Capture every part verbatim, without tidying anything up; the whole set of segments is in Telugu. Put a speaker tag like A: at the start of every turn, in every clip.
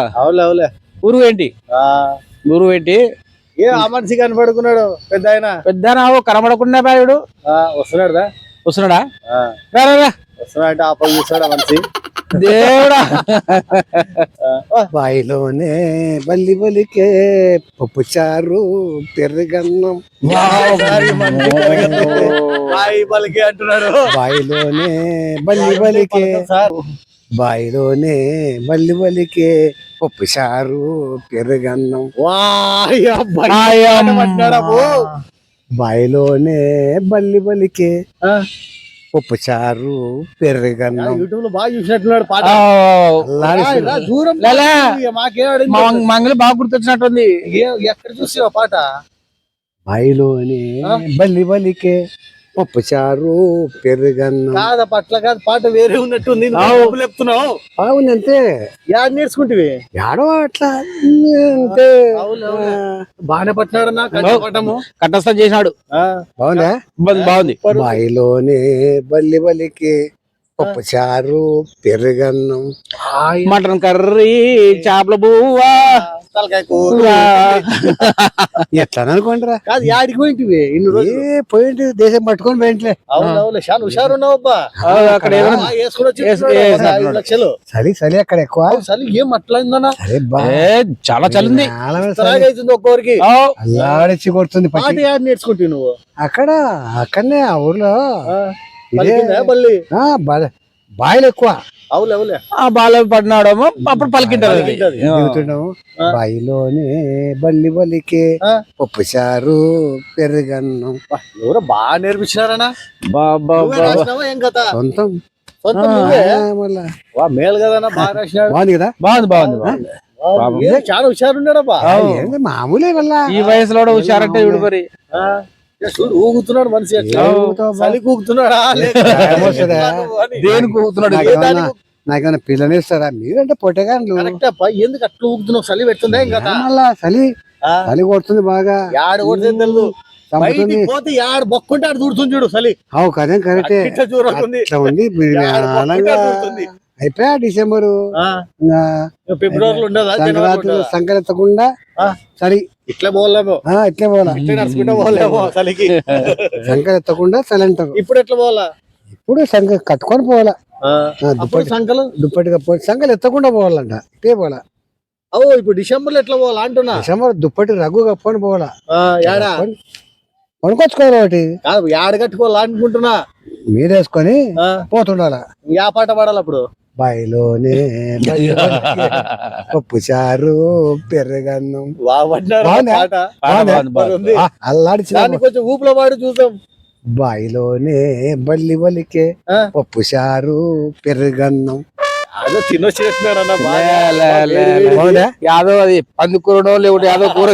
A: అవులే అవులే
B: ఊరు ఏంటి ఊరు ఏంటి
A: ఏ ఆ మనిషి కనపడుకున్నాడు పెద్ద ఆయన
B: పెద్ద కనబడకుండా బాయుడు
A: వస్తున్నాడుదా
B: వస్తున్నాడా
A: వస్తున్నాడంటే ఆపలు చూస్తాడా మనిషి
B: దేవుడా
C: బాయిలోనే బల్లి బలికే పప్పు చారు పెరుగన్నం
A: బాయి బలికి అంటున్నాడు
C: బాయిలోనే బల్లి బలికే బాయిలోనే బల్లి బలికే పప్పు చారు పెరుగన్నం బాయిలోనే బల్లి బలికే పప్పు చారు పెరుగన్నం
A: యూట్యూబ్ లో బాగా చూసినట్టున్నాడు పాట దూరం
B: మంగళ బాగా గుర్తొచ్చినట్టుంది
A: ఎక్కడ చూసావు పాట
C: బాయిలోనే బల్లి బలికే పప్పు చారు పెరుగన్నం
A: కాదా పట్ల కాదు పాట వేరే ఉన్నట్టుంది చెప్తున్నావు
C: అవునంతే
A: యాడ్ నేర్చుకుంటే
C: యాడో అట్లా అంతే
A: బాగానే పట్టినాడు నా కంటపట్టము
B: కంఠస్థం చేసినాడు
C: బాగుందా
B: బాగుంది
C: బాయిలోనే బల్లి బలికి పప్పు చారు పెరుగన్నం
B: మటన్ కర్రీ చేపల బువ్వా
A: తలకాయ కూర
C: ఎట్లా అనుకోండిరా
A: కాదు యాడికి పోయింటివి ఇన్ని రోజులు
C: ఏ పోయింటి దేశం పట్టుకొని పోయింట్లే
A: అవును అవును చాలా హుషారు ఉన్నావబ్బా
B: అక్కడ
A: లక్షలు
C: చలి చలి అక్కడ ఎక్కువ
A: చలి ఏం అట్లయిందన్నా
C: సరే బా
B: చాలా చలింది
A: అవుతుంది ఒక్కొక్కరికి
C: అల్లాడిచ్చి కొడుతుంది
A: పాట యాడ్ నేర్చుకుంటావు నువ్వు
C: అక్కడ అక్కడనే ఆ ఊర్లో
A: మళ్ళీ
C: బాయిలు ఎక్కువ
A: అవులే అవులే
B: ఆ బాల పడినాడేమో అప్పుడు పలికింటారు
C: దిగుతున్నాము బాయిలోనే బల్లి బలికే పప్పు చారు పెరుగన్నం
A: ఎవరో బాగా నేర్పించినారనా ఏం కదా
C: సొంతం
A: మేలు కదా బాగా రాసినాడు
C: బాగుంది కదా
B: బాగుంది బాగుంది
A: చాలా హుషారు ఉన్నాడబ్బా
C: మామూలే వల్ల
B: ఈ వయసులో హుషారంటే ఇవిడు మరి
A: చూడు ఊగుతున్నాడు మనిషి చలి ఊగుతున్నాడా
B: దేనికి ఊగుతున్నాడు
C: నాకేమైనా పిల్లని ఇస్తారా మీరంటే పొట్టగాను
A: ఎందుకు అట్లా ఊగుతున్నావు చలి పెడుతుందా ఇంకా
C: చలి చలి కొడుతుంది బాగా
A: యాడ కొడుతుంది తెలుసు బయటికి పోతే యాడ బొక్కుంటే ఆడ దూరుతుంది చూడు చలి
C: అవు కదే కరెక్టే ఉంది అయిపోయా డిసెంబరు
A: ఫిబ్రవరిలో ఉండదా
C: సంక్రాంతి సంక్రాంతకుండా చలి
A: ఇట్లా పోలేమో
C: ఇట్లే పోలా
A: నడుచుకుంటా పోలేమో చలికి
C: సంక్రాంతకుండా చలి అంటారు
A: ఇప్పుడు ఎట్లా పోవాలా
C: ఇప్పుడు సంక కట్టుకొని పోవాలా
A: సంకలు
C: దుప్పటి కప్పుకొని సంకలు ఎత్తకుండా పోవాలంట ఇట్టే పోవాలా
A: ఓ ఇప్పుడు డిసెంబర్ లో ఎట్లా పోవాలా అంటున్నా
C: డిసెంబర్ దుప్పటి రగ్గు కప్పుకొని పోవాలా
A: ఏడా
C: కొనుక్కొచ్చుకోవాలి ఒకటి
A: యాడ కట్టుకోవాలా అనుకుంటున్నా
C: మీరేసుకొని పోతుండాలా
A: యా పాట పాడాలి అప్పుడు
C: బాయిలోనే పప్పు చారు పెరుగన్నం అల్లాడి
A: కొంచెం ఊపులో పాడు చూద్దాం
C: బాయిలోనే బల్లి బలికే పప్పు చారు పెరుగన్నం
A: అదో తినొచ్చినట్టున్నాడు
B: యాదో అది పందుకూరడో లేకుంటే యాదో కూర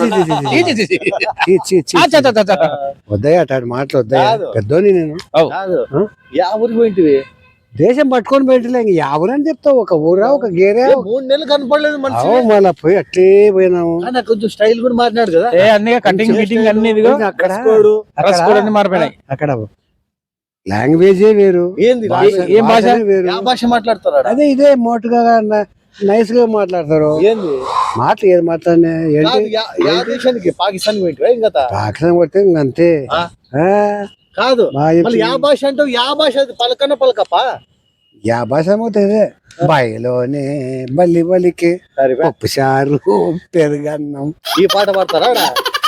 C: వద్దయ్య అటు మాటలు వద్దయ్యా పెద్దోని నేను
A: యా ఊరికి పోయింటివి
C: దేశం పట్టుకొని పెట్టలే ఎవరని చెప్తావు ఒక ఊరా ఒక గేరే
A: మూడు నెలలు కనపడలేదు
C: మళ్ళీ పోయి అట్లే పోయినాము
A: కొంచెం స్టైల్ కూడా మారినాడు కదా
B: అన్ని కటింగ్ ఫిట్టింగ్ అన్ని
C: అక్కడ
B: మారిపోయినాయి
C: అక్కడ లాంగ్వేజే వేరు
A: ఏంది
B: ఏం భాష
C: వేరు
A: భాష మాట్లాడతారు
C: అదే ఇదే మోటుగా నైస్ గా మాట్లాడతారు
A: ఏంది
C: మాటలు ఏది మాట్లాడినా
A: పాకిస్తాన్
C: పాకిస్తాన్ కొడితే అంతే
A: కాదు యా భాష అంటావు యా భాష పలకన్న పలకప్ప
C: యా భాష అవుతుంది బాయిలోనే బల్లి బలికి పప్పు చారు పెరుగన్నం
A: ఈ పాట పాడతారా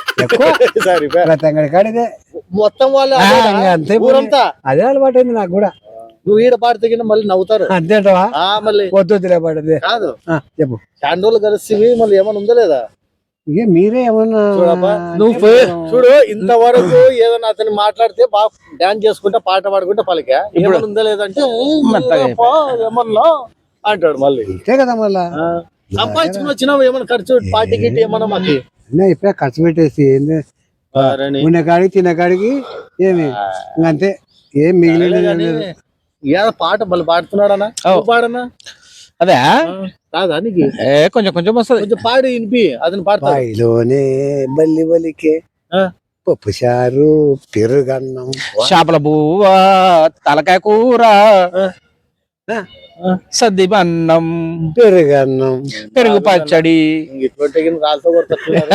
C: కాడిదే
A: మొత్తం వాళ్ళు
C: అంతే
A: ఊరంతా
C: అదే అలవాటు అయింది నాకు కూడా
A: నువ్వు ఈడ పాడితే మళ్ళీ నవ్వుతారు
C: అంతేంటవా
A: మళ్ళీ
C: పొద్దులే పడదే
A: కాదు
C: చెప్పు
A: చాండోళ్ళు కలిసి మళ్ళీ ఏమైనా ఉందా లేదా
C: ఇక మీరే ఏమన్నా
A: నువ్వు చూడు ఇంతవరకు ఏదైనా అతను మాట్లాడితే బాగా డాన్స్ చేసుకుంటా పాట పాడుకుంటా పలికా ఏమైనా ఉందా లేదంటే ఏమన్నా అంటాడు మళ్ళీ
C: అంతే కదా మళ్ళా
A: సంపాదించుకుని వచ్చినావు ఏమైనా ఖర్చు పార్టీ గిట్టి ఏమన్నా మాకు
C: ఇప్పుడే ఖర్చు పెట్టేసి ఏంది ఉన్న కాడికి తిన్న కాడికి ఏమి అంతే ఏం మిగిలిన
A: ఏదో పాట మళ్ళీ పాడుతున్నాడనా పాడనా
B: అదే
A: కాదా నీకు
B: కొంచెం కొంచెం వస్తుంది
A: కొంచెం పాడి వినిపి అతను
C: పాడతాయిలోనే బల్లి బలికే పప్పు చారు పెరుగన్నం
B: చేపల బువ్వ తలకాయ కూర సద్ది అన్నం
C: పెరుగన్నం
B: పెరుగు పచ్చడి
A: ఇటువంటి రాళ్ళతో కొడుతున్నారు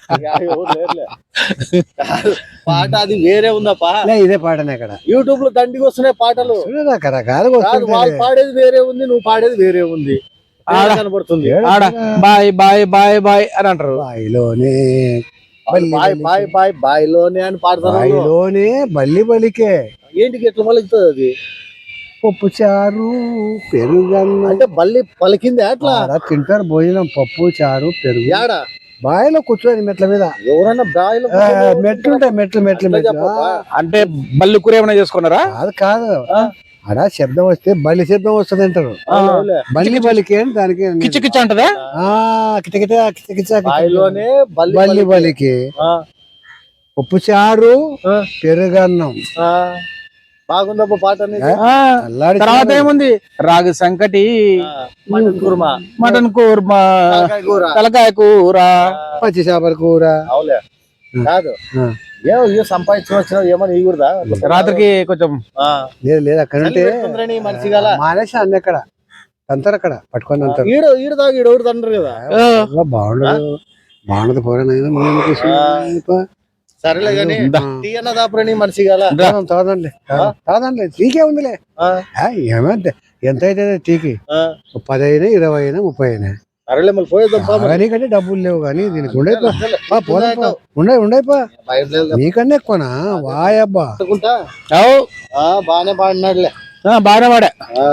A: పాట అది వేరే ఉందప్పా.
C: లే, ఇదే పాటనే అక్కడ
A: యూట్యూబ్ లో దండికి వస్తున్నాయి పాటలు.
C: రకరకాలుగా
A: కాదు,
C: వస్తుంటాయి.
A: వాళ్ళు పాడేది వేరే ఉంది, నువ్వు పాడేది వేరే ఉంది. ఆడ కనబడుతుంది.
B: ఆడ బాయ్ బాయ్ బాయ్ బాయ్ అని అంటారు.
C: బాయిలోనే
A: బాయ్ బాయ్ బాయ్ బాయ్లోనే అని పాడతారు.
C: బాయిలోనే బల్లి బలికే
A: ఏంటికి ఎట్లా పలుకుతుంది అది?
C: పప్పు చారు పెరుగన్నం
A: అంటే బల్లి పలికింది అట్లా.
C: ఆడ తింటారు భోజనం, పప్పు చారు పెరుగు.
A: యాడ
C: బాయిలో కూర్చొని మెట్ల మీద
A: ఎవరన్నా బాయిలో
C: ఆ, మెట్లు ఉంటాయి, మెట్లు మెట్లు మెట్లు
A: చెప్పబ్బా.
B: అంటే బల్లి కూర ఏమైనా చేసుకున్నారా?
C: కాదు కాదు ఆడ శబ్దం వస్తే బల్లి శబ్దం వస్తుంది అంటారు.
A: అవునులే.
C: బల్లి బలికి అని దానికి
B: కిచ కిచ అంటదా?
C: ఆ కిటకిట కిటకిట
A: బాయిలోనే బల్లి
C: బల్లి బలికి
A: ఆ,
C: పప్పు చారు
A: ఆ,
C: పెరుగన్నం.
A: ఆ. బాగుందప్ప పాట అనేది.
B: ఆ,
C: అల్లాడి
B: తర్వాత ఏముంది? రాగి సంకటి,
A: ఆ, మటన్ కుర్మా,
B: మటన్ కూర్మా,
A: తలకాయ కూర.
B: తలకాయ కూర.
C: పచ్చి చేపల కూర.
A: అవులే. కాదు
C: ఆ.
A: ఏమో ఇయ్యో సంపాదించుకుని వచ్చినావు ఏమని ఇగురుదా?
B: రాత్రికి కొంచెం
C: లేదు లేదు అక్కడ ఉంటే
A: మనిషి గల
C: మానేసి అన్ని అక్కడ అంటారు, అక్కడ పట్టుకొని అంటారు.
A: ఈడు ఈడు దాకా ఈడు ఒకటి తండ్రి కదా.
C: అబ్బా, బాగుండదు బాగుండదు పోయినా
A: సరేలే గాని టీ అన్న దాపురని మనిషి గల.
C: తాదండి తాదండి టీకే ఉందిలే.
A: ఆ,
C: ఆ, ఏమంటే ఎంత అయితే టీకి
A: ఆ.
C: పది అయినా ఇరవై అయినా ముప్పై అయినా
A: సరేలే మళ్ళీ పోయేద్దాం పా మరి.
C: నీకంటే డబ్బులు లేవు కానీ దీనికి ఉండే
A: అసలే
C: ఉండే ఉండేపా
A: భయం లేదు కదా.
C: నీకన్నా ఎక్కువనా వాయబ్బా.
A: అనుకుంటా.
B: అవు
A: ఆ, బానే పాడినాడులే.
B: బాగా వాడా.
A: ఆ.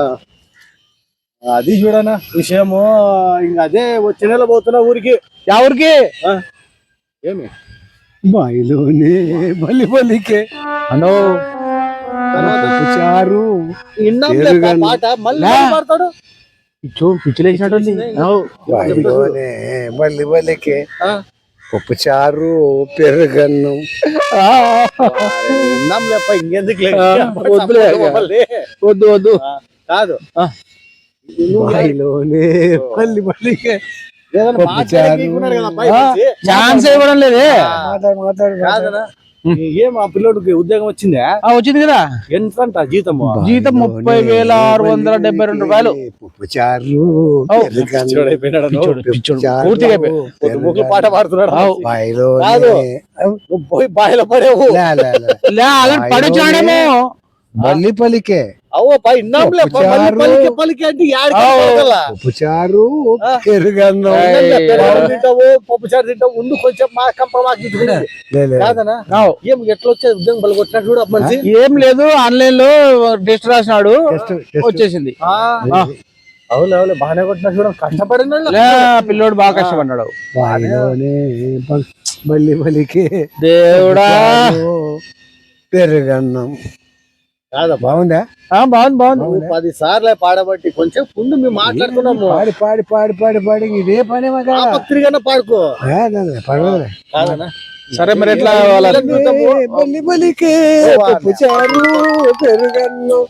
A: అది చూడనా విషయము. ఇంక అదే వచ్చే నెల పోతున్నా ఊరికి.
B: ఎవరికి?
A: ఆ, ఏమి
C: బాయిలోనే బల్లి బలికే
B: అనో
C: పప్పు చారు
A: ఇన్నాంలే పా పాట మళ్ళీ
B: లే.
A: మళ్ళీ పాడతాడు.
B: పిచ్చు పిచ్చులేసినట్టుంది.
C: బాయిలోనే బల్లి బలికే
A: ఆ,
C: పప్పు చారు పెరుగన్నం.
A: ఇన్నాంలే అప్ప ఇంకెందుకు లేదు.
B: వద్దులే. వద్దు వద్దు.
A: కాదు
B: ఆ.
A: నువ్వు
C: బాయిలోనే బల్లి బలికే
A: ఏదైనా
C: పప్పు
A: మాట్లాడడానికి
C: చారు.
A: ఉన్నాడు కదా అబ్బాయి
B: ఆ,
A: మంచి.
B: ఛాన్స్ ఇవ్వడం లేదే.
C: మాట్లాడు మాట్లాడు
A: కాదనా ఏం ఆ పిల్లోడికి ఉద్యోగం వచ్చిందా?
B: ఆ, వచ్చింది కదా
A: ఎంత అంట జీతము?
B: జీతం ముప్పై వేల ఆరు వందల డెబ్బై రెండు రూపాయలు.
C: పప్పు చారు
B: ఔ.
C: పెరుగన్నం.
A: అయిపోయినాడు
B: పిచ్చోడు,
C: పప్పు
B: పిచ్చోడు.
C: చారు,
B: పూర్తిగా అయిపోయి.
A: ముగ్గురు పాట పాడుతున్నాడు.
B: ఆవ్.
C: బాయిలోనే
A: కాదు. నువ్వు పోయి బాయిలో పడేవు.
C: లే, లే, లే.
B: లే అలాంటి పడొచ్చాడేమో.
C: బల్లి పలికే
A: అవ్వ పై ఇన్నాంలే
C: పప్పు
A: పల్లి
C: చారు.
A: పలికి పలికి అంటే యాడికి
B: ఆవ్.
A: పోగలా?
C: పప్పు చారు
A: ఆ.
C: పెరుగన్నం.
B: ఏయ్.
A: ఇన్నాంలే, పెరుగన్నం తింటావు పప్పు చారు తింటావు ఉండు కొంచెం మా కంప మాకు ఇచ్చుకునేది.
C: లే, లే.
A: కాదనా
B: ఆవ్.
A: ఏం ఎట్లా వచ్చేది ఉద్యోగం బలి కొట్టినట్టు చూడు ఆ మనిషి.
B: ఏం లేదు, ఆన్లైన్ లో టెస్ట్ రాసినాడు,
C: టెస్ట్, టెస్ట్.
B: వచ్చేసింది.
A: ఆ,
B: ఆ.
A: అవును అవును బాగానే కొట్టినట్టు చూడ కష్టపడిన
B: లే, పిల్లోడు బాగా కష్టపడ్డాడు.
C: బాయిలోనే బల్- బల్లి బలికే
B: దేవుడా.
C: చారు, పెరుగన్నం.
A: కాదా
C: బాగుందా?
B: ఆ, బాగుంది బాగుంది.
A: నువ్వు పది సార్లు పాడబట్టి కొంచెం ముందు మేము మాట్లాడుతున్నాము.
C: పాడి పాడి పాడి పాడి పాడి ఇదే పని మగా
A: ఆ పత్రికన పాడుకో.
C: పర్వాలేదు.
A: కాదనా
B: సరే మరి ఎట్లా వాళ్ళ
C: బల్లి బలికే పప్పు చారు పెరుగన్నం.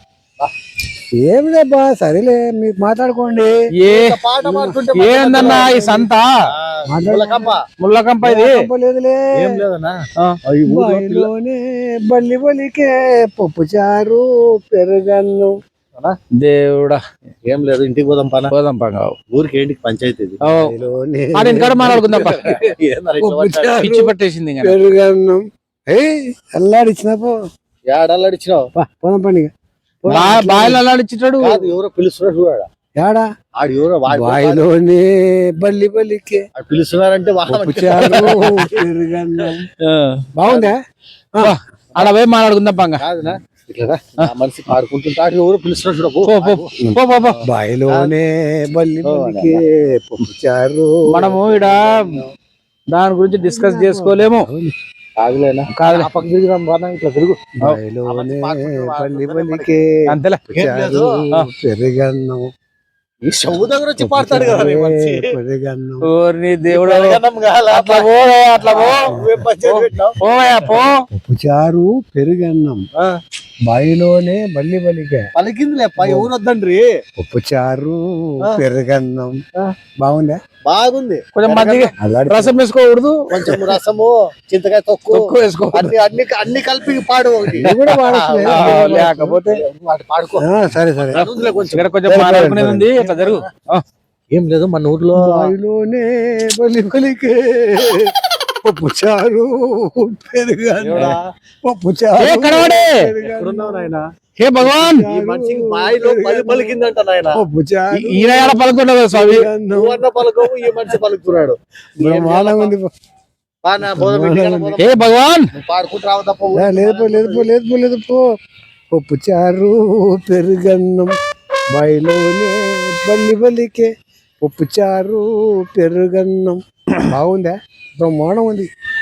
C: ఏం లేబ్బా, సరేలే మీరు మాట్లాడుకోండి.
B: ఏ
A: పాట పాడుతుంటే
B: ఏందన్నా ఈ సంత
A: ములకంప.
B: ముళ్ళకంప ఇది?
C: లేదులే.
A: ఏం లేదన్నా
B: ఆ,
A: ఈ ఊర్లో పిల్ల-
C: బాయిలోనే బల్లి బలికే పప్పు చారు పెరుగన్నం.
B: దేవుడా.
A: ఏం లేదు ఇంటికి పోదాం పన.
B: పోదాం పంగా.
A: ఊరికి ఏంటికి పంచాయతీ ఇది.
C: బాయిలోనే
B: ఆడ ఇంటికాడ మాట్లాడుకుందాం పా.
A: ఏందన్నా ఇట్లా
C: పప్పు
A: పట్టాడు?
C: చారు
B: పిచ్చి పట్టేసింది ఇంకా.
C: పెరుగన్నం. ఏయ్ అల్లాడిచ్చిన పో
A: ఏడాలడిచ్చినావు?
C: పోదాం పండుగ.
B: బా- బాయిలో అలాడిచ్చాడు.
A: కాదు ఎవరో పిలుస్తున్నారు చూడాడు.
C: యాడా
A: ఆడు ఎవరో వాడు
C: బాయిలోనే బల్లి బలికే
A: ఆడు పిలుస్తున్నారంటే
C: పప్పు
A: వాడు
C: చారు పెరుగన్నం.
B: ఆ.
C: బాగుందా?
B: బా, ఆడ పోయి మాట్లాడుకుందాం పంగా.
A: కాదునా ఇట్లా ఆ మనిషి పాడుకుంటుంటే ఆడు ఎవరో పిలుస్తున్నారు చూడ పో.
B: పో పో పో పో పో.
C: బాయిలోనే బల్లి బలికే పప్పు చారు.
B: మనము ఈడ దాని గురించి డిస్కస్ చేసుకోలేము.
A: కాదులేనా
B: కాదులే.
A: ఆ పక్క తిరిగినాం బాగా ఇట్లా తిరుగు.
C: బాయిలోనే బల్లి బలికే
B: అంతేలే.
C: పప్పు చారు పెరుగన్నం.
A: ఈ షవు దగ్గర వచ్చి పాడతాడు కదా నీ మనిషి.
C: పెరుగన్నం.
B: ఓర్ని దేవుడు.
A: పెరగడం కాలా?
B: అట్లా పోవే, అట్లా పో.
A: నువ్వేం పంచాయతీ పెట్టినావు?
B: పోవయ్యా పో.
C: పప్పు చారు పెరుగన్నం.
A: ఆ,
C: బాయిలోనే బల్లి బలికే
A: పలికిందిలే పై ఎవరు వద్దండ్రి.
C: పప్పు చారు
A: ఆ.
C: పెరుగన్నం
A: ఆ.
C: బాగుందా
A: బాగుంది.
B: కొంచెం మజ్జిగ
C: అలాంటి
B: రసం వేసుకోకూడదు,
A: కొంచెం రసము, చింతకాయ తొక్కు,
B: తక్కువ వేసుకోకూడదు.
A: అన్ని అన్ని అన్ని కలిపి పాడు ఒకటి.
C: ఇది కూడా వాడొచ్చులే.
B: ఆ, లేకపోతే
A: వాటి పాడుకో.
C: ఆ, సరే సరే
A: అందులో కొంచెం
B: ఇక్కడ కొంచెం మాట్లాడుకునేది ఉంది, ఇట్లా జరుగు. ఆ,
A: ఏం లేదు మన ఊర్లో
C: బాయిలోనే బలి బలికే పప్పు చారు పెరుగన్నం
A: ఎవడా?
C: పప్పు
B: ఏ
C: చారు
B: కడవాడే?
C: పెరుగన్నం,
A: ఎక్కడున్నావు నాయనా?
B: హే భగవాన్,
A: ఈ మనిషికి బాయిలో బలి పలికిందంట నాయన.
C: పప్పు చారు
B: ఈ- ఈయన ఎలా పలుకుంటాడు స్వామి?
C: పెరుగన్నం.
A: నువ్వన్న పలకవు, ఈ మనిషి పలుకుతున్నాడు.
C: బ్రహ్మాండంగా ఉంది పో.
A: బా నా బోధ పెట్టి గల బోధ.
B: హే భగవాన్,
A: నువ్వు పాడుకుంటూ రావు తప్ప
C: లే, లేదు పో లేదు పో లేదు పో లేదు పో పప్పు చారు పెరుగన్నం బాయిలోనే బల్లి బలికే పప్పు చారు పెరుగన్నం బాగుందా బ్రహ్మాండం ఉంది.